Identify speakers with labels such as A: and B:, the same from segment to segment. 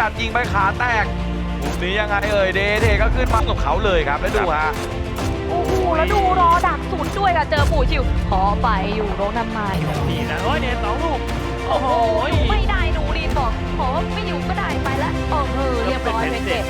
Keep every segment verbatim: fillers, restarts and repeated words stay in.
A: ดยิงไปขาแตกมุมนี้ยังไงเอ่ยเดเทก็ขึ้นมากับเขาเลยครับแล้วดูฮะ
B: โอ้โหแล้วดูรอดักสุดด้วยค่ะเจอปู่ชิวขอไปอยู่โรงทำไม
C: นี่นะโอ้ยเดนสองลูก
B: โอ้โหอยู่ไม่ได้หนูรีนบอกขอไม่อยู่ก็ได้ไปแล้วโอ้โหเรียบร้อยเป็นเจ็ด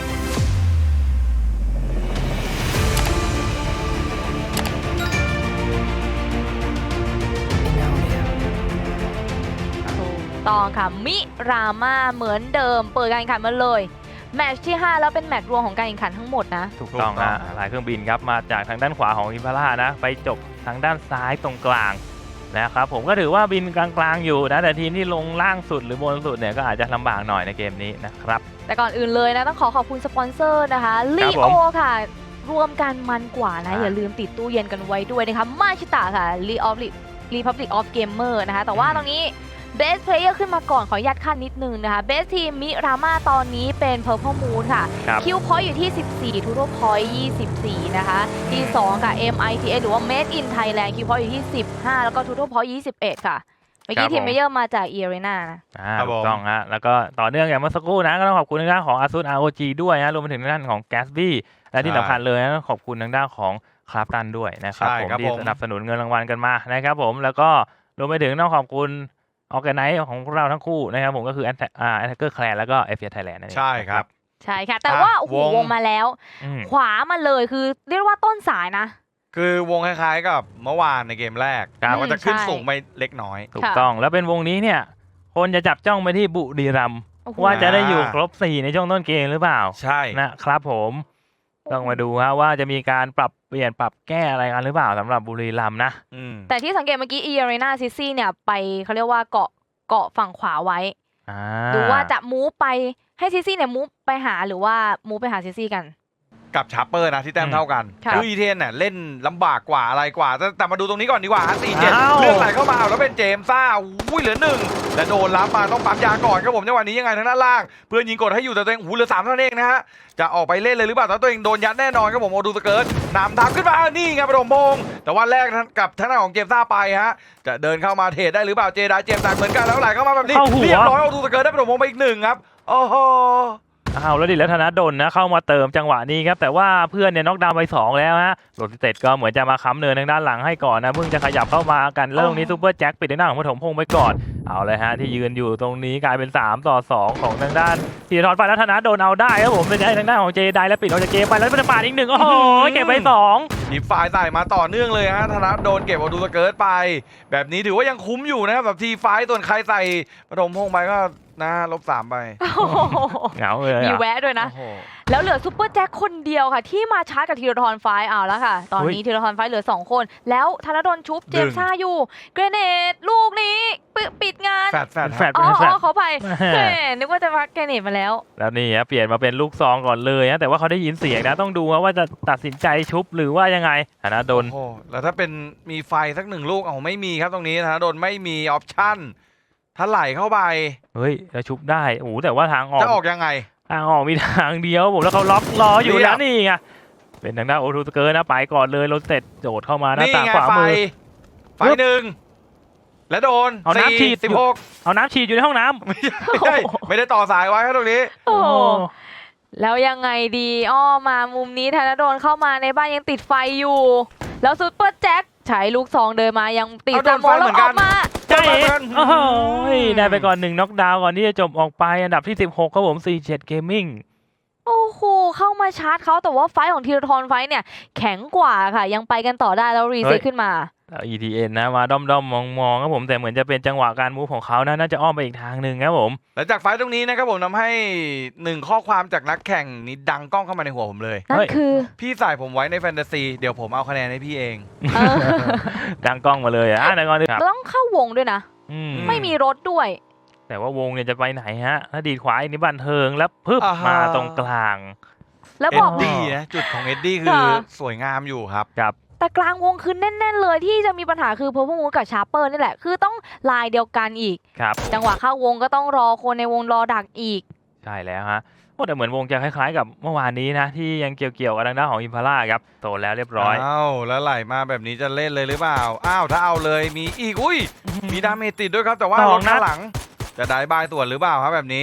B: ต่อค่ะมิรามาเหมือนเดิมเปิดการแข่งขันมาเลยแมตช์ที่ห้าแล้วเป็นแมตช์รวมของการแข่งขันทั้งหมดนะ
C: ถูกต้องฮะหลายเครื่องบินครับมาจากทางด้านขวาของอิมพาร่านะไปจบทางด้านซ้ายตรงกลางนะครับผมก็ถือว่าบินกลางๆอยู่นะแต่ทีมที่ลงล่างสุดหรือบนสุดเนี่ยก็อาจจะลำบากหน่อยในเกมนี้นะครับ
B: แต่ก่อนอื่นเลยนะต้องขอขอบคุณสปอนเซอร์นะคะลีโอค่ะรวมกันมันกว่านะอย่าลืมติดตู้เย็นกันไว้ด้วยนะคะมาชิตะค่ะ Republic of Gamer นะคะแต่ว่าตรงนี้Best Player ขึ้นมาก่อนขอยัดขั้นนิดนึงนะคะ Best Team มิรามาตอนนี้เป็น Purple Moon ค่ะคิวพอยต์อยู่ที่สิบสี่ Total Point ยี่สิบสี่นะคะที่สองค่ะ เอ็ม ไอ ที เอส หรือว่า Made in Thailand คิวพอยต์อยู่ที่สิบห้าแล้วก็ Total Point ยี่สิบเอ็ดค่ะเมื่อกี้ทีมเมเยอร์มาจาก e อ r e n a นะ
C: ถูกต้องฮะแล้วก็ต่อเนื่องอย่างเมื่อสักครู่นะก็ต้องขอบคุณทางด้านของ Asus อาร์ โอ จี ด้วยนะรวมไปถึงทางด้านของ Gatsby และที่สำคัญเลยนะขอบคุณทางด้านของคราฟตันด้วยนะครับผมที่สนับสนุนเงินรางวัลกันมานะครับผมแล้วก็รวมไปถึงต้องขอบคุณออร์แกไนซ์ของเราทั้งคู่นะครับผมก็คือแอนอ่าแอนเกอร์แคลร์แล้วก็เอฟเอไทยแลนด์นั่นเอง
A: ใช่ครับ
B: ใช่ค่ะแต่ว่าโอ้โหวงมาแล้วขวามาเลยคือเรียกว่าต้นสายนะ
A: คือวงคล้ายๆกับเมื่อวานในเกมแรกว่าจะขึ้นสูงไปเล็กน้อย
C: ถูกต้องแล้วเป็นวงนี้เนี่ยคนจะจับจ้องไปที่บุรีรัมย์ว่าจะได้อยู่ครบสี่ในช่วงต้นเกมหรือเปล่า
A: ใช่
C: นะครับผมต้องมาดูฮะว่าจะมีการปรับเปลี่ยนปรับแก้อะไรกันหรือเปล่าสำหรับบุรีรัมย์นะ
B: แต่ที่สังเกตเมื่อกี้ e อ r e n a Sissy เนี่ยไปเขาเรียกว่าเกาะเกาะฝั่งขวาไว้ดูว่าจะมูฟไปให้ซิซี่เนี่ยมูฟไปหาหรือว่ามูฟไปหาซิซี่กัน
A: กับชาร์เปอร์นะที่แต้มเท่ากันคืออีเทนเนี่ยเล่นลำบากกว่าอะไรกว่าแต่มาดูตรงนี้ก่อนดีกว่าฮะสี่เจ็ดเลือกไหลเข้ามาแล้วเป็นเจมซ่าอุ้ยเหลือหนึ่งและโดนรับมาต้องปั๊มยาก่อนครับผมในวันนี้ยังไงทางด้านล่างเพื่อนยิงกดให้อยู่แต่ตัวเองหูเหลือสามเท่านั้นเองนะฮะจะออกไปเล่นเลยหรือเปล่าแต่ตัวเองโดนยัดแน่นอนครับผมโอดูสเกิร์ตนำทางขึ้นมานี่ไงประดมพงแต่ว่าแรกกับทางด้านของเจมซ่าไปฮะจะเดินเข้ามาเทรดได้หรือเปล่าเจไดเจมส์เหมือนกันแล้วไหลเข้ามาแบบนี้เรียบร้อยโอดูสเกิร์ตได้ประดมพงไปอีกหนึ่งครับโอ้โห
C: อ้าวแล้วดิแล้วธนดลนะเข้ามาเติมจังหวะนี้ครับแต่ว่าเพื่อนเนี่ยน็อกดาวน์ไปสองแล้วฮะโรติเต็ดก็เหมือนจะมาค้ำเนินทางด้านหลังให้ก่อนนะเพิ่งจะขยับเข้ามากันเรื่องนี้ซูเปอร์แจ็คปิดทางด้านของปฐมพงศ์ไปก่อนเอาเลยฮะที่ยืนอยู่ตรงนี้กลายเป็นสามต่อสองของทางด้านธีรทรไปแล้วธนดลเอาได้ครับผมเป็นทางด้านของเจไดและปิดออกจากเกมไปแล้วเป็นปาดอีกหนึ่งโอ้โหเก็บไปสอง
A: หยิบฝ่ายใส่มาต่อเนื่องเลยฮะธนดลเก็บโอดูสเกิร์ตไปแบบนี้ถือว่ายังคุ้มอยู่นะครับแบบทีไฟส่วนใครใส่ปฐมพงศ์ไปก็นะลบสามไป
C: เหงาเลย
B: มีแวะด้วยนะแล้วเหลือซุปเปอร์แจ็คคนเดียวค่ะที่มาชาร์จกับธีรทรไฟเอาแล้วค่ะตอนนี้ธีรทรไฟเหลือสองคนแล้วธนดลชุบเจมซ่าอยู่เกรเนตลูกนี้ปิดงาน
A: แฟดแฟด
C: แฟด
B: อ๋อเขาไปนึกว่าจะพักเกรเนตมาแล้ว
C: แล้วนี่ฮะเปลี่ยนมาเป็นลูกซองก่อนเลยนะแต่ว่าเขาได้ยินเสียงนะต้องดูว่าจะตัดสินใจชุบหรือว่ายังไงธนดล
A: โอ้แล้วถ้าเป็นมีไฟสักหนึ่งลูกเอาไม่มีครับตรงนี้ธนดลไม่มีออปชั่นถ้าไหลเข้าไป
C: เฮ้ยแล้วชุบได้โอ้แต่ว่าทางออก
A: จะออกยังไง
C: ทางออกมีทางเดียวผมแล้วเขาล็อกรออยู่แล้วนี่ไงเป็นทางด้านโอทูสเกิร์นะไปก่อนเลยรถเสร็จโดดเข้ามาหน้าต่างขวามือ
A: ไฟหนึ่งและโดน
C: เอาน้ำฉีด
A: สิบหก
C: เอาน้ำฉีดอยู่ในห้องน้ำ
A: ไม่ได้ไม่ได้ต่อสายไว้ครับตรงนี้
B: โอ้แล้วยังไงดีอ้อมามุมนี้ธนดลเข้ามาในบ้านยังติดไฟอยู่แล้วซุปเปอร์แจ็คใช้ลูกซองเดินมายังติดสมองแล้วออกมา
C: ใช่โอ้โหได้ไปก่อนหนึ่งน็อกดาวน์ก่อนที่จะจบออกไปอันดับที่สิบหกครับผมสี่เจ็ด Gaming
B: โอ้โหเข้ามาชาร์จเขาแต่ว่าไฟของธีรทรไฟเนี่ยแข็งกว่าค่ะยังไปกันต่อได้แล้วรีเซ็ตขึ้นมา
C: อี ที เอ็น นะมาด้อมๆมองๆครับผมแต่เหมือนจะเป็นจังหวะการมูฟของเขานะน่าจะอ้อมไปอีกทางหนึ่งครับผม
A: และจากไฟตรงนี้นะครับผมทำให้หนึ่งข้อความจากนักแข่งนี้ดังก้องเข้ามาในหัวผมเลย
B: นั่นคือ
A: พี่ใส่ผมไว้ในแฟนตาซีเดี๋ยวผมเอาคะแนนให้พี่เอง
C: ดังก้องมาเลยอ่ะในก่อน
B: ต้องเข้าวงด้วยนะไม่มีรถด้วย
C: แต่ว่าวงเนี่ยจะไปไหนฮะถ้าดีดขวาอีกนี่บันเทิงแล้วพึบมาตรงกลาง
B: แล้วบอก
A: ดีนะจุดของเอ็ดดี้คือสวยงามอยู่ครับ
C: ครับ
B: แต่กลางวงคือแน่นๆเลยที่จะมีปัญหาคือเพอร์พมูกับชาร์เปอร์นี่แหละคือต้องลายเดียวกันอีกจังหวะเข้าวงก็ต้องรอคนในวงรอดักอีก
C: ใช่แล้วฮะแต่เหมือนวงจะคล้ายๆกับเมื่อวานนี้นะที่ยังเกี่ยวๆกับทางด้านของอิมพาร่าครับโตแล้วเรียบร้อย
A: อ้าวแล้วไหลมาแบบนี้จะเล่นเลยหรือเปล่าอ้าวถ้าเอาเลยมีอีกอุ้ยมีดาเมจติดด้วยครับแต่ว่ารถข้างหลังจะได้บายส่วนหรือเปล่าครับแบบนี้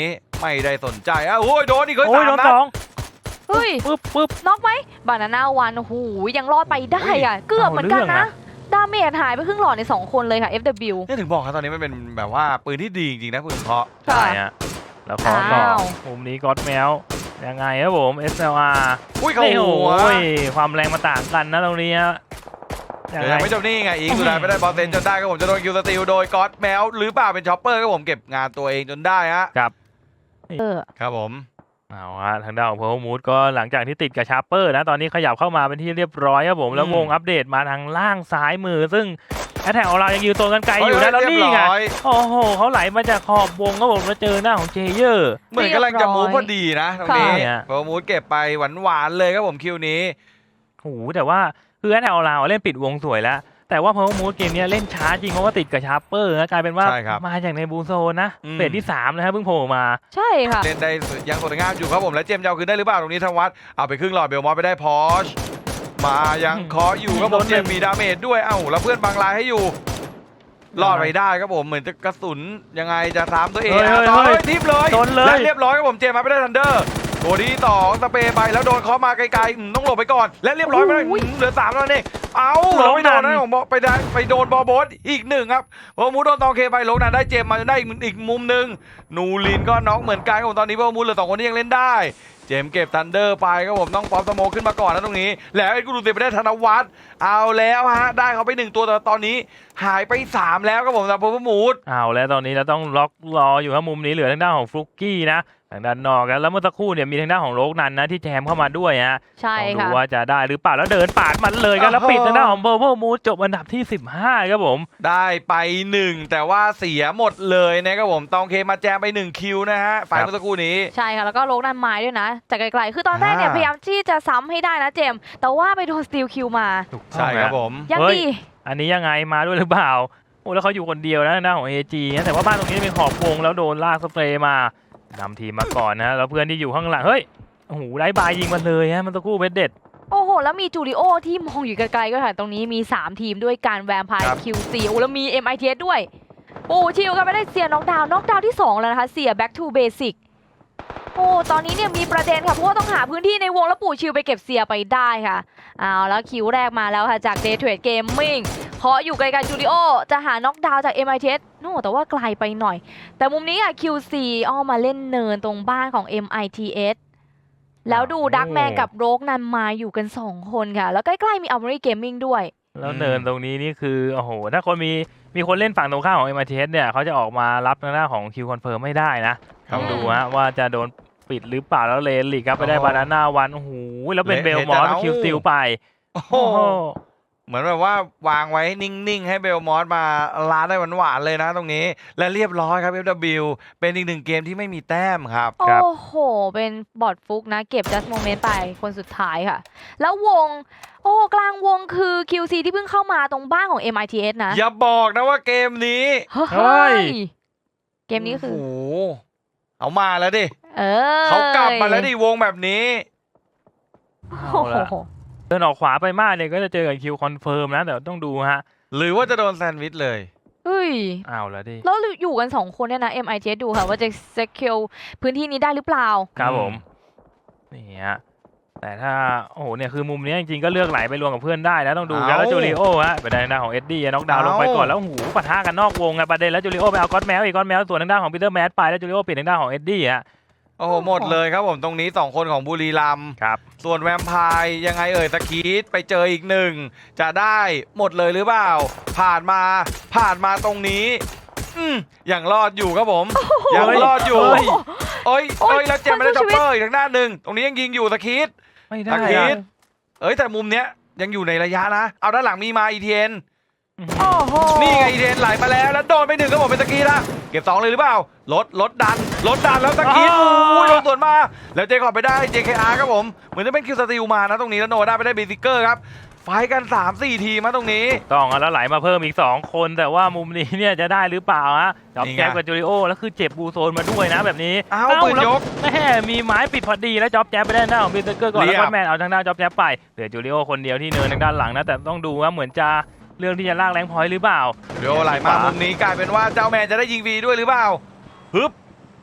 A: ไม่ได้สนใจอ่ะโอ้ยโดนอีกเฮ้ย
C: โอ้ย
A: สาม
C: โดน
A: นั
C: ส
A: ด
C: อง
B: เฮ้ย
C: ปึ๊บปึ๊บ
B: น็อกไหมบานาน่าวันโอ้โหยังรอดไปได้อ่ะเกือบเหมือนกันนะดาเมจหายไปครึ่งหลอดในสองคนเลยค่ะ เอฟ ดับเบิลยู
A: นี่ถึงบอกครับตอนนี้มันเป็นแบบว่าปืนที่ดีจริงๆนะคุณเพาะ
C: ใช่ฮะแล้วขอต่อ
B: อ้าว
C: มุมนี้ก็อดแมวยังไงครับผม เอส แอล อาร์
A: อุ้ยเขา
C: นี่
A: หั
C: โอ้
A: วย
C: ความแรงมาต่างกันนะตรงนี้ฮะยั
A: เดี๋
C: ง
A: ยว
C: ไง
A: ยังไม่จบนี่ไงอีกสุดท้ายไม่ได้บอลเซนจนได้ครับผมจะโดนคิวสติลโดยก็อดแมวหรือเปล่าเป็นช็อปเปอร์ครับผมเก็บงานตัวเองจนได้ฮะ
B: เออ
A: ครับผม
C: เอาฮะทางด้านของเพอร์มูดก็หลังจากที่ติดกับชาร์เปอร์นะตอนนี้ขยับเข้ามาเป็นที่เรียบร้อยครับผมแล้ววงอัปเดตมาทางล่างซ้ายมือ ซึ่งแอตแทกของเรายังยืนตัวกันไกลอยู่นะแล้วนี่ไง
A: เรียบร้อย
C: โอ้โหเขาไหลมาจากขอบวงครับผมแล้วเจอหน้าของเจเยอร์
A: เหมือนกำลังจะมูฟพอดีนะตรงนี้
C: ค่ะ
A: โปรมูดเก็บไปหวานๆเลยครับผมคิวนี้
C: โอ้โหแต่ว่าคือแอตแทกของเราเล่นปิดวงสวยแล้วแต่ว่าเพอร์มูดเกมนี้เล่นช้าจริงเพราะว่าติดกับชาร์เปอร์นะกลายเป็นว่า
A: ใช่ครับ
C: มาจากในบูโซนนะ
A: อืม
C: เฟสที่สามนะครับเพิ่งโผล่มา
B: ใช่ค่ะ
A: เล่นได้ยังสวยงามอยู่ครับผมและเจมส์จะเอาคืนได้หรือเปล่าตรงนี้ธวัฒน์เอาไปครึ่งหลอดเบลมอสไปได้พอชมายังเคาะอยู่ครับผม
C: โดนหนึ่
A: เจ
C: ง
A: มส์มีดาเมจด้วยเอ้าแล้วเพื่อนบังลายให้อยู่รอดไปได้ครับผมเหมือนจะกระสุนยังไงจะซ้ำตัวเอง
C: เฮ้ย
A: อ่ะ
C: เฮ้ย
A: ต่อ
C: เฮ้
A: เลย ยทิปเลย
C: โดนเลย
A: และเรียบร้อยครับผมเจมส์มาไม่ได้ทันเดอร์ตัวที่สองสเปรย์ไปแล้วโดนเคาะมาไกลๆอืมต้องหลบไปก่อน และเรียบร้อยไปได้
B: โอ้ย
A: อืมเหลือสามแล้วนี่เอาเราไม่โดนนะผมบอกไปได้ไปโดนบอลโบสอีกหนึ่งครับพอมูโดนตองเคไปลงนั้นได้เจมส์มาได้อีกอีกมุมหนึ่งนูรินก็น็อกเหมือนกันครับผมตอนนี้พอมูเหลือสองคนที่ยังเล่นได้ เจมส์เก็บทันเดอร์ไปครับผมต้องป๊อปสโมคขึ้นมาก่อนนะตรงนี้ แล้วไอ้กูดูเตะไปได้ธนวัฒน์เอาแล้วฮะได้เขาไปหนึ่งตัวแต่ตอนนี้หายไปสามแล้วครับผมสำหรับพอมูด
C: เอาแล้วตอนนี้เราต้องล็อกรออยู่ครับมุมนี้เหลือทางด้านของฟลุกกี้นะทางด้านนอกกันแล้วเมื่อสักครู่เนี่ยมีทางด้านของโลกนันนะที่แจมเข้ามาด้วยฮะ
B: ใช่
C: ต้องดู
B: ค่ะ
C: ว่าจะได้หรือเปล่าแล้วเดินปาดมันเลยกันแล้ว
A: โอ้โห
C: ปิดทางด้านของเบอร์เบอร์มูดจบอันดับที่สิบห้าครับผม
A: ได้ไปหนึ่งแต่ว่าเสียหมดเลยนะครับผมตองเคมาแจมไปหนึ่งคิวนะฮะฝ่ายเมื่อสักครู่นี้
B: ใช่ค่ะ แล้วก็โลกนันไม้ด้วยนะ จากไกลๆ คือตอนแรกเนี่ย
A: อ่า
B: พยายามที่จะซ้ำให้ได้นะเจมส์แต่ว่าไปโดนสตีลคิวมา
C: ถูกต้อง
A: ใช่ครับ
C: นะ
A: ผม
B: ยัง
C: เฮ้ย
B: ดี
C: อันนี้ยังไงมาด้วยหรือเปล่าโอ้แล้วเขาอยู่คนเดียวนะทางด้านของ เอ จี นะแต่ว่าบ้านตรงนี้เป็นขอบวงแล้วโดนลากสเปรย์มานำทีมมาก่อนนะแล้วเพื่อนที่อยู่ข้างหลังเฮ้ยโอ้โหไร้บายยิงมาเลยฮะมันตะกู้เบ็ดเด็ด
B: โอ้โห แล้วมีจูริโอที่มองอยู่ไกลๆก็ค่ะ ตรงนี้มี สาม ทีมด้วยการแวมไพ
A: ครั
B: ร์
A: บ
B: คิวซีโอ้แล้วมี เอ็ม ไอ ที เอส ด้วยโอ้ชิลกันไปได้เสียน็อกดาวน์น็อกดาวน์ที่สองแล้วนะคะเสีย back to basic โอ้ตอนนี้เนี่ยมีประเด็นค่ะเพราะว่าต้องหาพื้นที่ในวงแล้วปู่ชิลไปเก็บเสียไปได้ค่ะเอาแล้วคิวแรกมาแล้วค่ะจาก Day Trade Gaming เคาะอยู่ไกลๆจูริโอจะหาน็อกดาวน์จาก เอ็ม ไอ ที เอส โน่แต่ว่าไกลไปหน่อย แต่มุมนี้อ่ะ คิว ซี อ้อมมาเล่นเนินตรงบ้านของ เอ็ม ไอ ที เอส แล้วดูดักแมนกับโรกนันมาอยู่กันสองคนค่ะ แล้วใกล้ๆมี Armory Gaming ด้วย
C: แล้ว
A: อืม
C: เนินตรงนี้นี่คือโอ้โหถ้าคนมีมีคนเล่นฝั่งตรงข้ามของ เอ็ม ไอ ที เอส เนี่ยเขาจะออกมารับทางด้านของคิวคอนเฟิร์มไม่ได้นะ
A: ครั
C: ต้
A: บ
C: องดูฮะว่าจะโดนปิดหรือเปล่าแล้วเลนลีกครับไปได้
A: โอ้โห
C: บานาน่าวันโอ้โหแล้วเป็น
A: เละ
C: เบลมอส
A: เละแต่
C: คิว
A: เอา
C: สติลไป
A: โอ้โหเหมือนแบบว่าวางไว้นิ่งๆให้เบลมอสมาลาได้หวานๆเลยนะตรงนี้ และเรียบร้อยครับ เอฟ ดับเบิลยู เป็นอีกหนึ่งเกมที่ไม่มีแต้มครับ
B: โอ้โห เป็นบอดฟุกนะ เก็บ just moment ไปคนสุดท้ายค่ะ แล้ววง โอ้กลางวงคือ คิว ซี ที่เพิ่งเข้ามาตรงบ้านของ เอ็ม ไอ ที เอส นะ
A: อย่าบอกนะว่าเกมนี้
B: เฮ้ย เกมนี้คือ
A: โอ้โหเอามาแล้วดิ
B: เออ
A: เขากลับมาแล้วดิวงแบบนี้
C: เอาละ เดินออกขวาไปมากเนี่ยก็จะเจอกับคิวคอนเฟิร์มนะแต่ต้องดูฮะ
A: หรือว่าจะโดนแซนด์วิชเลย
B: เฮ้ย
C: เอาแล้วดิ
B: แล้วอยู่กันสองคนเนี่ยนะ เอ็ม ไอ ที เอส ดูค่ะว่าจะ secure พื้นที่นี้ได้หรือเปล่า
C: ครับ
A: อืม
C: ผมนี่ฮะแต่ถ้าโอ้โหเนี่ยคือมุมนี้จริงๆก็เลือกไหลไปรวมกับเพื่อนได้นะต้องดูกันแล้วจูริโอฮะไปได้ทางด้านของเอ็ดดี้น็อกดาวน์ลงไปก่อนแล้วหูปะทะกันนอกวงไงประเด็นแล้วจูริโอไปเอาก๊อตแมวอีกก๊อตแมวส่วนทางด้านของปีเตอร์แมสไปแล้วจูริโอปิดทางด้านของเอ็ดดี้ฮะ
A: โอ้โหหมดเลยครับผมตรงนี้สองคนของบุรีรัมย์
C: ครับ
A: ส่วนแวมไพร์ยังไงเอ่ยสกีดไปเจออีกหนึ่งจะได้หมดเลยหรือเปล่า ผ่านมาผ่านมาตรงนี้ อืมยังรอดอยู่ครับผมยังรอดอยู่
C: เฮ้ย
A: โอ้ย
B: โอ้
A: โอ้
B: ย
A: ยแล้วเจมไม่ได้
B: คนสู้
A: จ็อป
B: ชีวิต
A: เปอร์อีกทางด้านหนึ่งตรงนี้ยังยิงอยู่สกีด
C: ไม่
A: ส
C: ได้
A: กี
C: อะ
A: ดเอ้ยแต่มุมเนี้ยยังอยู่ในระยะนะ เอาด้านหลังมีมาอีเทน
B: โอ้โห
A: นี่ไงอีเทนไหลมาแล้วแล้วโดนไปหนึ่งก็บอกเป็นสกีละเก็บสองเลยหรือเปล่าลดลดดันลดดันแล้วสกี
C: อ๋อ
A: โอ้ยโดนสวนมาแล้วเจคอบไปได้ เจ เค อาร์ ครับผมเหมือนจะเป็นคิวสติลมานะตรงนี้แล้วโนได้ไปได้เบสิเกอร์ครับไฟกัน สามสี่ ทีมาตรงนี้
C: ต้องอ่ะแล้วไหลมาเพิ่มอีกสองคนแต่ว่ามุมนี้เนี่ยจะได้หรือเปล่าฮะจับ
A: นี่ไง
C: แจ๊บกับจูริโอแล้วคือเจ็บบูโซนมาด้วยนะแบบนี้
A: อ้าวปืน
C: แล้ว
A: ยก
C: แม่มีไม้ปิดพอดีแล้วจ็อบแจ๊บไปได้หน้าของบิลเตอร์ก่อน
A: เรี
C: แล้
A: ยว บ
C: ก็แมนเอาทางด้านจ็อบแจ๊บไปเหลือจูริโอคนเดียวที่เนินทางด้านหลังนะแต่ต้องดูว่าเหมือนจะเรื่องที่จะลากแรงพอยต์หรือเปล่า
A: เดี๋ยวไหลมามุมนี้กลายเป็นว่าเจ้าแมนจะได้ยิงฟรีด้วยหรือเปล่าฮึบ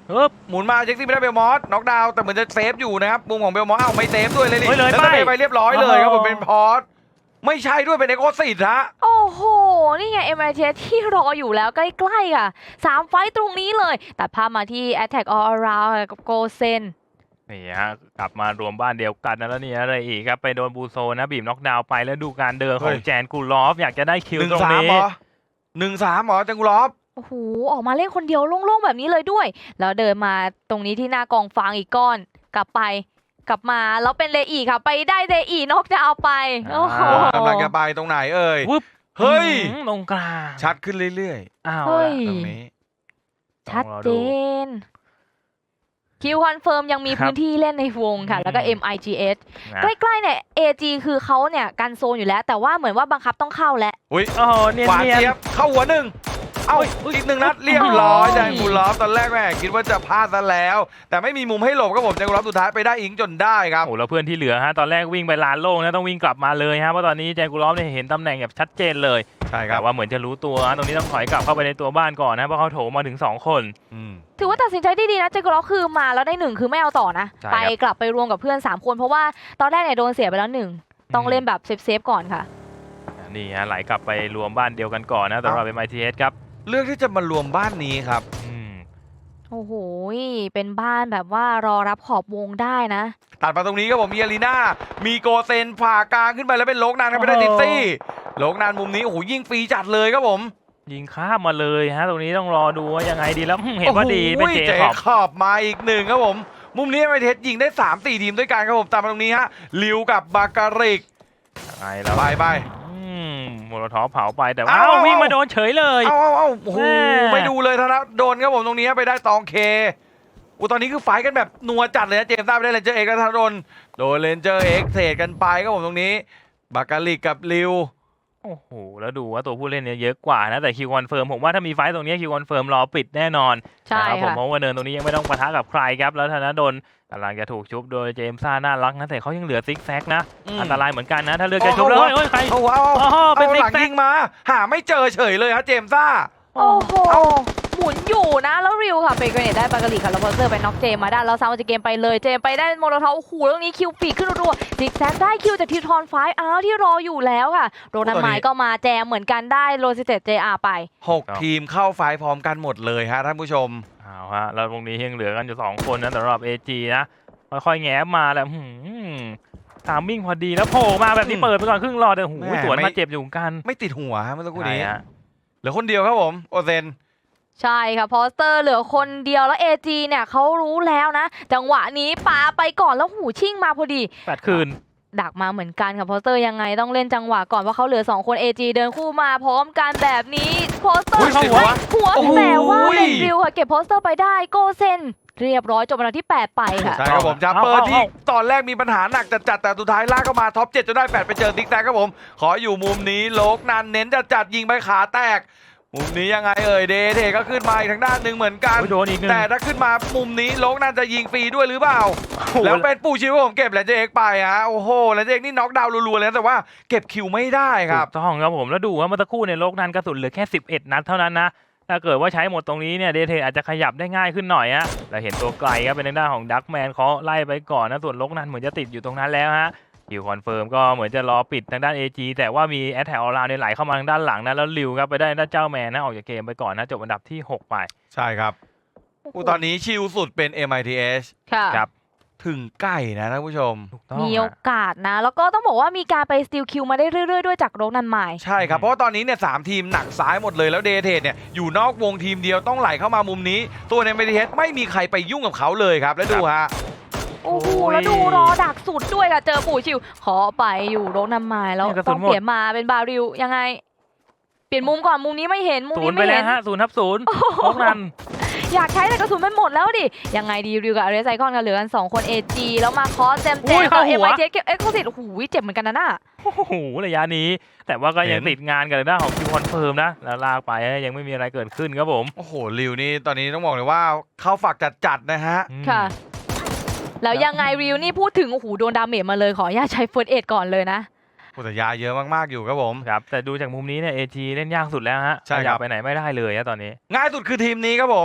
C: ปึ๊บ
A: หมุนมาเจ็กซี่ไม่ได้เบลมอสน็อกดาวน์แต่เหมือนจะเซฟอยู่นะครับมุมของเบลมอสเอ้าไม่เซฟด้วยเลยดิ
C: เฮ้ยเลย
A: แล้ว
C: ไป
A: ก็ไปเรียบร้อยเลยครับผม
C: โอ้โห
A: เป็นพอสไม่ใช่ด้วยเป็นเอโกซิตฮะ
B: โอ้โห นี่ไง เอ็ม ไอ ที เอส ที่รออยู่แล้วใกล้ๆค่ะสามไฟต์ตรงนี้เลยตัดภาพมาที่ Attack All Around กับโกเซน
C: นี่ฮะกลับมารวมบ้านเดียวกันนะแล้วนี่อะไรอีกครับไปโดนบูโซนะบีบน็อกดาวน์ไปแล้วดูการเดินของแจนกูลอฟอยากจะได้คิว
A: หนึ่ง
C: ตรง
A: สาม
C: นี้
A: เหรอหนึ่งสามเหรอจังกุลอฟ
B: โอ้โห ออกมาเล่นคนเดียวโล่งๆแบบนี้เลยด้วย แล้วเดินมาตรงนี้ที่หน้ากองฟางอีกก้อน กลับไป กลับมา แล้วเป็นเลอีค่ะ ไปได้เลอีนอกจะเอาไป โอ้โห
A: กำลังจะไปตรงไหนเอ่ย
C: วึบ
A: เฮ้ย
C: อื้อหือตรงกลาง
A: ชัดขึ้นเรื่อย
C: อ้าว
B: เฮ้ย
A: ๆตรงนี้
B: ชัดเจน คิวคอนเฟิร์มยังมีพื้นที่เล่นในวงค่ะ แล้วก็ เอ็ม ไอ จี เอส
C: นะ
B: ใกล้ๆเนี่ย เอ จี คือเขาเนี่ยกันโซนอยู่แล้ว แต่ว่าเหมือนว่าบังคับต้องเข้าแล้ว
A: อุ้ย
C: โอ้โหเนียน
A: ขวา
C: เนียน
A: เจี๊ยบเข้าหัวหนึ่งเอ้าอีกหนึ่งนัดเรียบร้อยจังกุลอฟตอนแรกแม่คิดว่าจะพลาดซะแล้ว แต่ไม่มีมุมให้หลบครับผมจังกุลอฟสุดท้ายไปได้อิงจนได้ครับ
C: โอ้แล้วเพื่อนที่เหลือฮะตอนแรกวิ่งไปลานโล่งนะต้องวิ่งกลับมาเลยฮะเพราะตอนนี้แจนกูลอฟเนี่ยเห็นตำแหน่งแบบชัดเจนเลย
A: ใช่ครั
C: แต่
A: บ
C: ว่าเหมือนจะรู้ตัวฮะตรงนี้ต้องถอยกลับเข้าไปในตัวบ้านก่อนนะเพราะเขาโถมมาถึงสองคน
A: อืม
B: ถือว่าตัดสินใจได้ดีนะเจโกล็อกคือมาแล้วได้หนึ่งคือไม่เอาต่อนะ
C: ใช่
B: ไป
C: ครับ
B: กลับไปรวมกับเพื่อน สาม คนเพราะว่าตอนแรกเนี่ยโดนเสียไปแล้วหนึ่งต้องเล่นแบบเซฟๆก่อนค่ะ
C: นี่ฮะไหลกลับไปรวมบ้านเดียวกันก่อนนะสำหรับ เอ็ม ไอ ที เอส ครับ
A: เลือกที่จะมารวมบ้านนี้ครับ
C: อืม
B: โอ้โห เป็นบ้านแบบว่ารอรับขอบวงได้นะ
A: ตัดมาตรงนี้ครับผมมีอารีนามีโกเซนผ่ากลางขึ้นไปแล้วเป็นโลกนานครับไม่ได้ติดซี่โลกนานมุมนี้โอ้โหยิงฟรีจัดเลยครับผม
C: ยิงข้ามมาเลยฮะตรงนี้ต้องรอดูว่ายังไงดีแล้วอืมเห็นว่าดีเป็น
A: โอ้โห
C: เจ
A: เจ
C: คอบ
A: ขอบมาอีกหนึ่งครับผม มุมนี้ไม่เทสยิงได้ สามสี่ ทีมด้วยกันครับผมตามมาตรงนี้ฮะลิวกับบาการิก
C: ยังไงแล้ว
A: ไปไป
C: อืมโมโลทอฟเผาไปแต่ว่า
A: เอ้า
C: เอ้า
A: เอ้า
C: วิ่งมาโดนเฉยเลย
A: เอาเอาเอาโอ้โห
C: แม่
A: ไม่ดูเลยธนะโดนครับผมตรงนี้ไปได้ตองเคอุยตอนนี้คือไฟท์กันแบบนัวจัดเลยนะเจมส์ทราบไปได้เลนเจอร์เอ็กซ์กับธนดลโดนเลนเจอร์เอ็กซ์เทรดกันไปครับผมตรงนี้บาการิกกับลิว
C: โอ้โหแล้วดูว่าตัวผู้เล่นเนี่ยเยอะกว่านะแต่คิวคอนเฟิร์มผมว่าถ้ามีไฟต์ตรงนี้คิวคอนเฟิร์มรอปิดแน่นอน
B: ใช่
C: นะครับผม
B: ค่ะ
C: เพราะว่าเนินตรงนี้ยังไม่ต้องปะทะกับใครครับแล้วธนดลกำลังจะถูกชุบโดยเจมส์ซ่าน่ารักนะแต่เขายังเหลือซิกแซกนะ
A: อืม
C: อันตรายเหมือนกันนะถ้าเลือกจะชุบแล้ว
A: โอ้
C: เฮ้ย
A: โห
C: เฮ้ยใคร
A: เอาเอาเอา
C: อ๋อเป็น
A: เอา
C: ซิ
A: ห
C: ก
A: ลัง
C: แซ
A: ยิ
C: ก
A: งมา หาไม่เจอเฉยเลยฮะเจมส์ซ่า
B: โอ้โห
A: เอ้า
B: หมุนอยู่นะ แล้วริวค่ะ เป็นเกรเนตได้บาการีค่ะแล้วพอเซอร์ไปน็อกเจมมาได้ แล้วซาวจะเกมไปเลย เจมไปได้โมโลทอฟโอ้โหแล้วนี้คิวปีกขึ้นรัวๆซิกแซกได้คิวจากทีทอนไฟอ้าวที่รออยู่แล้วค่ะ โรนันไมค์ก็มาแจมเหมือนกันได้โรซิเตตเจอาไป
A: หกทีมเข้าไฟท์พร้อมกันหมดเลยฮะท่านผู้ชม
C: เอาฮะแล้วตรงนี้ยังเหลือกันอยู่สองคนนะสำหรับ เอ จี นะค่อยๆแง้มมาแล้วหืมตามมิ่งพอดีแล้วโผล่มาแบบนี้
A: อืม
C: เปิดไปก่อนครึ่งหลอดแต่หู
A: แม่
C: สวน
A: ไม่
C: มาเจ็บอยู่เหมือนกัน
A: ไม่ติดหัวฮะเมื่อสักครู่
C: ใช่
A: นี้
C: ฮะ
A: เหลือคนเดียวครับผมโอเซน
B: ใช่ค่ะพอสเตอร์เหลือคนเดียวแล้ว เอ จี เนี่ยเขารู้แล้วนะ จังหวะนี้ปาไปก่อนแล้วหูชิ่งมาพอดี
C: แปดคืน
B: ดักมาเหมือนกันค่ะพอสเตอร์ยังไงต้องเล่นจังหวะก่อนเพราะเขาเหลือสองคน เอ จี เดินคู่มาพร้อมกันแบบนี้พอสเตอ
A: อุ้ย
B: ร์
A: เข้าหัว
B: หัว
A: โอ้โห
B: แต่ว่าเป็นริวค่ะเก็บโพสเตอร์ไปได้โกเซนเรียบร้อยจบอันดับที่แปดไปค่ะ
A: ใช่ครับผมจับ
C: เอา
A: เปิด
C: เอา
A: ที่
C: เอา
A: ตอนแรกมีปัญหาหนักจัดๆแต่สุดท้ายลากเข้ามาท็อปเจ็ดจนได้แปดไปเจอติ๊กแตกครับผม ขออยู่มุมนี้โลกนันเน้นจัดจัดๆยิงไปขาแตก มุมนี้ยังไงเอ่ยเดเทก็ขึ้นมาอีกทางด้านหนึ่งเหมือนกัน
C: โอ้ยโดนอีกหนึ่ง
A: แต่ถ้าขึ้นมามุมนี้โลกนันจะยิงฟรีด้วยหรือเปล่า แล้วเป็นปู่ชิวผมเก็บแลนเจอร์เอ็กซ์ไปฮะโอ้โหแลนเจอร์เอ็กซ์นี่น็อกดาวน์รัวๆเลยนะแต่ว่าเก็บคิวไม่ได้ครับ
C: ถูกต้องครับผมแล้วดูว่าเมื่อสักครู่ในยโลกนั้นกระสุนเหลือแค่สิบเอ็ดนัดเท่านั้นนะถ้าเกิดว่าใช้หมดตรงนี้เนี่ยเดเทอาจจะขยับได้ง่ายขึ้นหน่อยฮะเราเห็นตัวไกลครับเป็นทางด้านของดักแมนเขาไล่ไปก่อนนะส่วนโลกนั้นเหมือนจะติดอยู่ตรงนั้นแล้วฮะคิวคอนเฟิร์มก็เหมือนจะรอปิดทางด้าน เอ จี แต่ว่ามีแอตแทกออลาเนี่ยไหลเข้ามาทางด้านหลังนะแล้วลิวครับไปได้ด้านเจ้าแมนนะออกจากเกมไปก่อนนะจบอันดับที่หกไป
A: ใช่ครับอู้ตอนนี้ชิลสุดเป็น เอ็ม ไอ ที เอส
B: ค่ะ
C: ครับ
A: ถึงใกล้นะท่านผู้ชม
C: ถูกต้อง
B: มี
C: ฮะ
B: โอกาสนะ แล้วก็ต้องบอกว่ามีการไปสติลคิวมาได้เรื่อยๆด้วยจากโรนันไมล์
A: ใช่ครับ เพราะว่าตอนนี้เนี่ยสามทีมหนักซ้ายหมดเลยแล้วเดเทเนี่ยอยู่นอกวงทีมเดียวต้องไหลเข้ามามุมนี้ ตัวในเมดิเฮดไม่มีใครไปยุ่งกับเขาเลยครับ แล้วดูฮะ
B: โอ้โห
C: โอ้ย
B: แล้วดูรอดักสุดด้วยค่ะ เจอปู่ชิว ขอไปอยู่โรนันไมล์แล้ว
C: เนี่ยกระสุ
B: ต้อน ง
C: หมด
B: เปลี่ยนมาเป็นบาริวยังไง เปลี่ยนมุมก่อนมุมนี้ไม่เห็นมุม
C: ศู
B: นี้
C: นย์ไป
B: ไม่
C: แล้
B: เห็
C: วน ฮะศูนย์ทับศูนย์โลกนั้น
B: อยากใช้แต่กระสุนมันหมดแล้วดิ ยังไงดีริวกับอาร์เรสไซคอนกันเหลือกันสองคน เอ จี แล้วมาคอสเจมเจ
C: อุ้
B: ม
C: ย
B: ต่อ
C: เข้าหั
B: เอ็ม
C: ว
B: ไอทีเก็บเอ็กซ์คลูซีฟโอ้โหเจ็บเหมือนกันนะน่ะ
C: โอ้โหระยะนี้ แต่ว่าก็ยัง
A: เห็น
C: ติดงานกันในด้านของคิวคอนเฟิร์มนะแล้วลากไปยังไม่มีอะไรเกิดขึ้นครับผม
A: โอ้โหลิวนี่ตอนนี้ต้องบอกเลยว่าเข้าฝักจัดๆนะฮะ
C: อืม
B: ค่ะ แล้วยังไงริวนี่พูดถึงโอ้โหโดนดาเมจมาเลยขออนุญาตใช้เฟิร์สเอ็ดก่อนเลยนะ
A: โอ้แต่ยาเยอะมากๆอยู่ครับผม
C: ครับแต่ดูจากมุมนี้เนี่ยเอจีเล่นยากสุดแล้วฮะ
A: ใช่
C: ข
A: ครั
C: ยั
A: บ
C: ไปไหนไม่ได้เลยฮะตอนนี้
A: ง่ายสุดคือทีมนี้ครับผม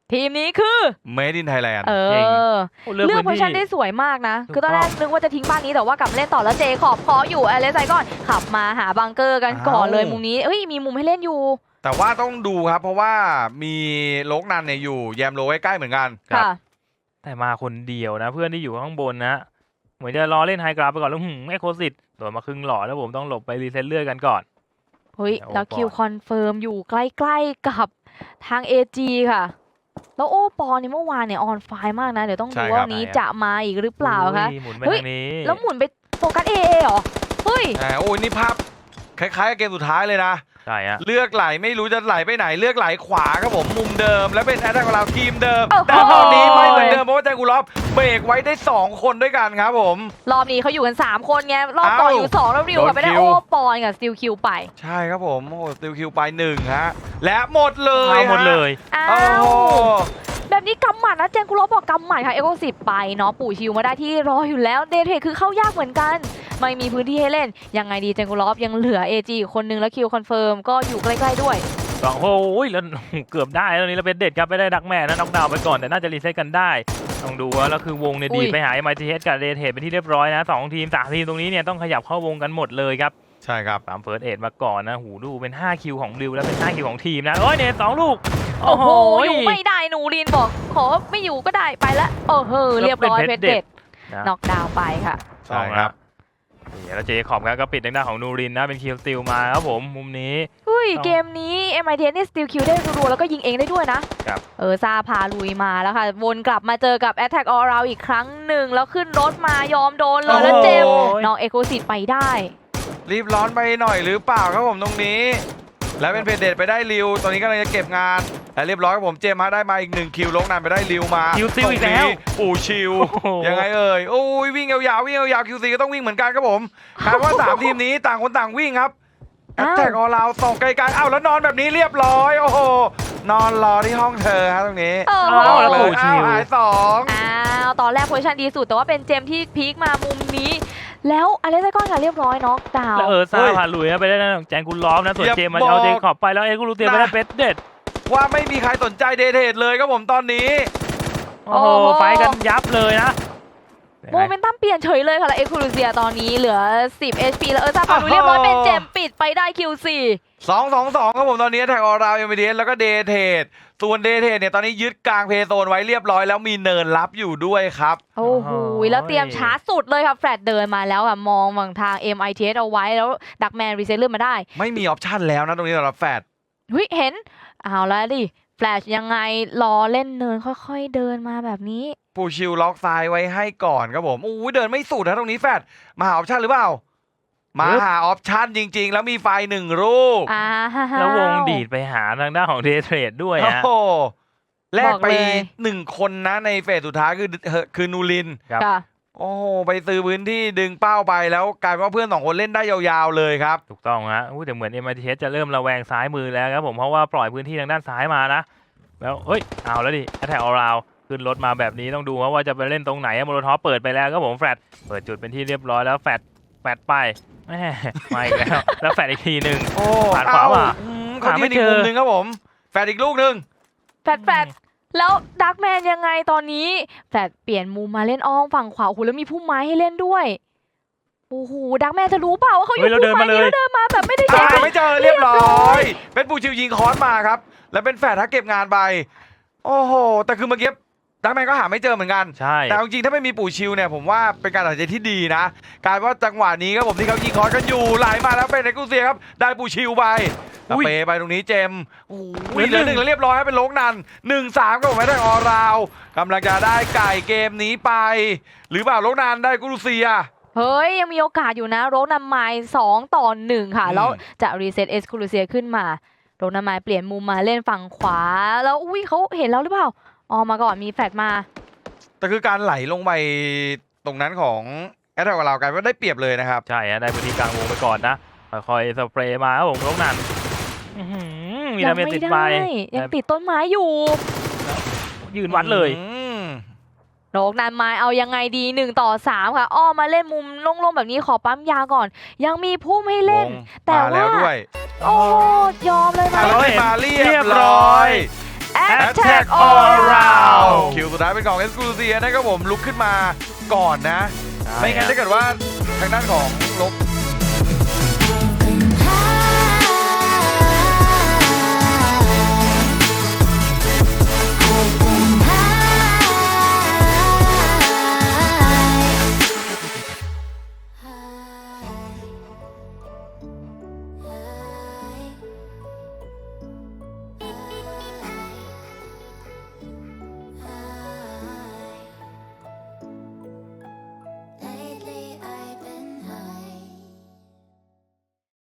B: ทีมนี้คือ
A: Made in Thailand
B: เอ
C: เก่ง
B: อ
C: โอ้
B: เลือกโพซิชันได้สวยมากนะ
C: ถูก
B: คือตอนแรก
C: ต้อง
B: นึกว่าจะทิ้งบ้านนี้แต่ว่ากลับมาเล่นต่อแล้วเจขอบขออยู่อเลสไซก่อนขับมาหาบังเกอร์กันก่อนเลย
A: อ้าว
B: มุมนี้เอ้ยมีมุมให้เล่นอยู่
A: แต่ว่าต้องดูครับ เพราะว่ามีโลกนันเนี่ยอยู่แยมโลใกล้ๆเหมือนกัน
C: ครับ
B: ค่ะ
C: แต่มาคนเดียวนะ เพื่อนที่อยู่ข้างบนนะ เหมือนจะรอเล่นไฮกราฟไปก่อนแล้วหืมไอโคสิตโดนมาครึ่งหลอดแล้วผมต้องหลบไปรีเซ็ตเลือดกันก่อน
B: เฮ้ย
C: โอ้
B: แล้ว
C: ปอ
B: คิวคอนเฟิร์มอยู่ใกล้ๆกับทาง เอ จี ค่ะ แล้วโอ้ปอเนี่ยเมื่อวานเนี่ยออนไฟมากนะ เดี๋ยวต้อง
A: ใช่
B: ดู
A: ครับ
B: ว่าวันนี้จะมาอีกหรือเปล่าคะ
C: อุ้ยหมุนไป
B: เฮ้ย
C: ทางนี้
B: แล้วหมุนไปโฟกัสเอเอเหรอ เฮ้ย
A: อ่าโอ้ยนี่ภาพคล้ายๆกับเกมสุดท้ายเลยนะ
C: ใช่ฮะ
A: เลือกไหลไม่รู้จะไหลไปไหนเลือกไหลขวาครับผมมุมเดิม แล้วเป็นแอตแทกของเราทีมเดิม
B: โอ้โห
A: แต่ตอนนี้ไม่เหมือนเดิมเพราะว่าแจกูลอฟเบรกไว้ได้สองคนด้วยกันครับผม
B: รอบนี้เขาอยู่กัน สาม คนไง รอบต่ออยู่ สอง แล้วริวกับไปได้
A: โดนคิว
B: โอ้ปอนกับสติลคิวไป
A: ใช่ครับผมโอ้สติลคิวไปหนึ่งฮะและหมดเลย
C: เอาหมด
A: ฮะ
C: เลย
B: อ้า
A: โอ้
B: ว
A: โห
B: แบบนี้กำหมัดนะเจนกุโรบอกกำหมัดค่ะเอโกสิบไปเนาะปู่ชิวมาได้ที่รออยู่แล้วเดทเทคือเข้ายากเหมือนกัน ไม่มีพื้นที่ให้เล่น ยังไงดีเจนกุโรบยังเหลือ เอ จี อีกคนนึงแล้วคิวคอนเฟิร์มก็อยู่ใกล้ๆด้วย
C: สองโอ้ยแล้วเกือบได้แล้วนี้เราเป็นเด็ดครับไม่ได้ดักแม่นะน็อกดาวน์ไปก่อนแต่น่าจะรีเซ็ตกันได้ต้องดูว่าแล้วคือวงเนี่ย
B: อุ้
C: ดี
B: ย
C: ไปหา เอ็ม ไอ ที เอส กับเดทเทเป็นที่เรียบร้อยนะสองทีมสามทีมตรงนี้เนี่ยต้องขยับเข้าวงกันหมดเลยครับ
A: ใช่ครับ
C: ตามเฟิร์สเอ็ดมาก่อนนะหูดูเป็นห้าคิวของริวแล้วเป็นห้าคิวของทีมนะโอ้ยเนี่ยสองลูก
B: โอ้โหอยู่ไม่ได้หนูรินบอกขอไม่อยู่ก็ได้ไปละโอ้โหเรียบร้อยเพชรเด็ด
C: นะ
B: น็อกดาวน์ไปค่ะ
A: ใช่ครับ
C: นี่แล้วเจคอบครับก็ปิดทางด้านของนูรินนะเป็นคิวสติลมาครับผมมุมนี้
B: เฮ้ย
C: ต้อง
B: เกมนี้ เอ็ม ไอ ที เอส นี่สติลคิวได้รัวๆแล้วก็ยิงเองได้ด้วยนะครับ เออซาพาลุยมาแล้วค่ะ วนกลับมาเจอกับ Attack All Round อีกครั้งหนึ่ง แล้วขึ้นรถมายอมโดนเลยแล้วเจมส์
A: โอ้ย
B: น้องเอโกซิตไปได้
A: รีบร้อนไปหน่อยหรือเปล่าครับผมตรงนี้ แล้วเป็นเพจเดทไปได้ริวตอนนี้กำลังจะเก็บงานแต่เรียบร้อยครับผมเจมส์ฮะได้มาอีกหนึ่งคิวลงนานไปได้ริวมา
C: คิวซิลอีกแล้ว
A: ตรงนี้ปู่ชิว
C: โอ้โห
A: ยังไงเอ่ยโอ้ยวิ่งยาวๆวิ่งยาวๆคิวซีก็ต้องวิ่งเหมือนกันครับผมคาดว่าสามทีมนี้ต่างคนต่างวิ่งครับแอต
B: อ้าว
A: แทกออลาวส่งไกลๆอ้าวแล้วนอนแบบนี้เรียบร้อยโอ้โหนอนรอที่ห้องเธอฮะตรงนี้
B: เออ
C: อ้าวแล้ว
A: เล
C: ปู่
A: ย
C: ชิ
A: อ้าว
C: ว
A: หายสอง
B: อ้าวตอนแรกโพซิชันดีสุดแต่ว่าเป็นเจมส์ที่พีคมามุมนี้ แล้วอเลสไซกอนค่ะเรียบร้อยน็อกดาว
C: แล้ว
B: น์
C: เออซาพาลุยนะไปได้นะแจงกุลล้อมนะส่วนเจมมันเอาเจคอบไปแล้วเอ็กซ์กูรูเตียไปได้เป็ดเด็ด
A: ว่าไม่มีใครสนใจเดทเทดเลยครับผมตอนนี้
C: โอ้โหไฟกันยับเลยนะ
B: โมเมนตัมเปลี่ยนเฉยเลยค่ะแล้วเอ็กซ์คลูเซียตอนนี้เหลือสิบ เอช พี แล้วเออซาพาลุยเรียบร้อยเป็นเจมส์ปิดไปได้ คิว โฟร์
A: สองสองสองครับผมตอนนี้แท็กออราวยังไม่เดนแล้วก็เดทเทดส่วนเดทเทดเนี่ยตอนนี้ยึดกลางเพย์โซนไว้เรียบร้อยแล้วมีเนินรับอยู่ด้วยครับ
B: โอ้โหแล้วเตรียมชาร์จสุดเลยค่ะแฟลตเดินมาแล้วค่ะมองฝั่งทาง เอ็ม ไอ ที เอส เอาไว้แล้วดักแมนรีเซ็ตเลื่อนมาได้
A: ไม่มีออปชั่นแล้วนะตรงนี้สำหรับแฟด
B: เฮ้ยเห็นเอาแล้วดิแฟลชยังไงรอเล่นเนินค่อยๆเดินมาแบบนี้
A: ปูชิลล็อกซ้ายไว้ให้ก่อนครับผมอู้ยเดินไม่สุดนะตรงนี้แฟดมาหาออปชั่นหรือเปล่ามาหาออปชั่นจริง ๆ แล้วมีไฟหนึ่งลูก
B: อ้าว
C: แล้ววงดีดไปหาทางด้านของเดทเทรดด้วย
A: โอ้
C: ฮะ
A: โหแลกไป
B: บอกเลย
A: หนึ่งคนนะในเฟสสุดท้ายคือคือนูริน
C: ครับ
B: ค่ะ
A: โอ้โหไปซื้อพื้นที่ดึงเป้าไปแล้วกลายเป็นว่าเพื่อนสองคนเล่นได้ยาวๆเลยครับ
C: ถูกต้องฮะอู้แต่เหมือน เอ็ม ไอ ที เอส จะเริ่มระแวงซ้ายมือแล้วครับผมเพราะว่าปล่อยพื้นที่ทางด้านซ้ายมานะแล้วเฮ้ยเอาแล้วดิแอทแทกออราวขึ้นรถมาแบบนี้ต้องดูว่าจะไปเล่นตรงไหนโมโลทอปเปิดไปแล้วครับผมแฟลตเปิดจุดเป็นที่เรียบร้อยแล้วแฟลตแฟลตไปแหม่มาอีกแล้วแล้วแฟลตอีกทีหนึ่ง
A: โอ้
C: ผ่านขวาว่ะ
A: เอ้อืมเขา
C: หาไม่
A: ยืนอีก
C: เจอ
A: มุมหนึ่งครับผมแฟดอีกลูกหนึ่ง
B: แฟลตแฟลตแล้วดักแมนยังไงตอนนี้แฟลตเปลี่ยนมุมมาเล่นอ้อมฝั่งขวาโอ้โหแล้วมีพุ่มไม้ให้เล่นด้วยโอ้โหดักแมนจะรู้เปล่าว่าเขาอยู่
C: เฮ้ยเรา
B: พุ่มไม้
C: เดินมาเลย
B: นี้แล้วเดินมาแบบไม่ได้เช็
A: อ่า
B: ค
A: ไม่เจอเรียบร้อย เป็นปูชิวยิงคอนมาครับ แล้วเป็นแฟดถ้าเก็บงานไป โอ้โห แต่คือเมื่อกี้ดักแมนก็หาไม่เจอเหมือนกัน
C: ใช่
A: แต่จริงๆถ้าไม่มีปู่ชิวเนี่ยผมว่าเป็นการตัดสินใจที่ดีนะกลายว่าจังหวะนี้ครับผมที่เขายิงคอนกันอยู่ไหลมาแล้วเป็นเอ็กซ์คลูเซียครับได้ปู่ชิวไปสเปย์ไปตรงนี้เจมส์โอ้ยเหลือหนึ่งแล้วเรียบร้อยเป็นโลกนันหนึ่งสามก็ผมไม่ได้ออราวกำลังจะได้ไก่เกมนี้ไป หรือเปล่าโลกนันได้กูรูเซีย
B: เฮ้ยยังมีโอกาสอยู่นะโรนำไมล์สองต่อหนึ่งค่ะ
A: อืม
B: แล้วจะรีเซ็ตเอสคูลูเซียขึ้นมาโรนำไมล์เปลี่ยนมุมมาเล่นฝั่งขวา แล้วอุ้ยเขาเห็นแล้วหรือเปล่าออกมาก่อนมีแฟลชมา
A: แต่คือการไหลลงไปตรงนั้นของแอตแทกของเรากลายว่าได้เปรียบเลยนะครับ
C: ใช่ฮะได้พื้นที่กลางวงไปก่อนนะค่อยๆสเปรย์มาครับผมลูกนั้นอื้อหือมี
B: ยั
C: ดาเมจ
B: ไม่
C: ติด
B: ได้
C: ไป
B: ยังติดต้นไม้อยู่
C: ยืนวัดเลย
A: อืม
B: โรนำไมล์เอายังไงดีหนึ่งต่อสามค่ะอ้อมมาเล่นมุมโล่งๆแบบนี้ขอปั๊มยาก่อน ยังมีพุ่มให้เล่น
A: วง
B: แต่
A: มาแล้ว
B: ว่า
A: ด้วย
B: โอ้ยอมเลยไหม
A: อ่ะแล้ว
C: เห็น
A: มาเรี
C: เรี
A: ย
C: ย
A: บบ ร้
C: ร้
A: อ
C: อย ย
B: Attack all around
A: คิวสุดท้ายเป็นของเอสคูลูเซียนะครับผมลุกขึ้นมาก่อนนะ ไม่งั้นถ้าเกิดว่าทางด้านของลบ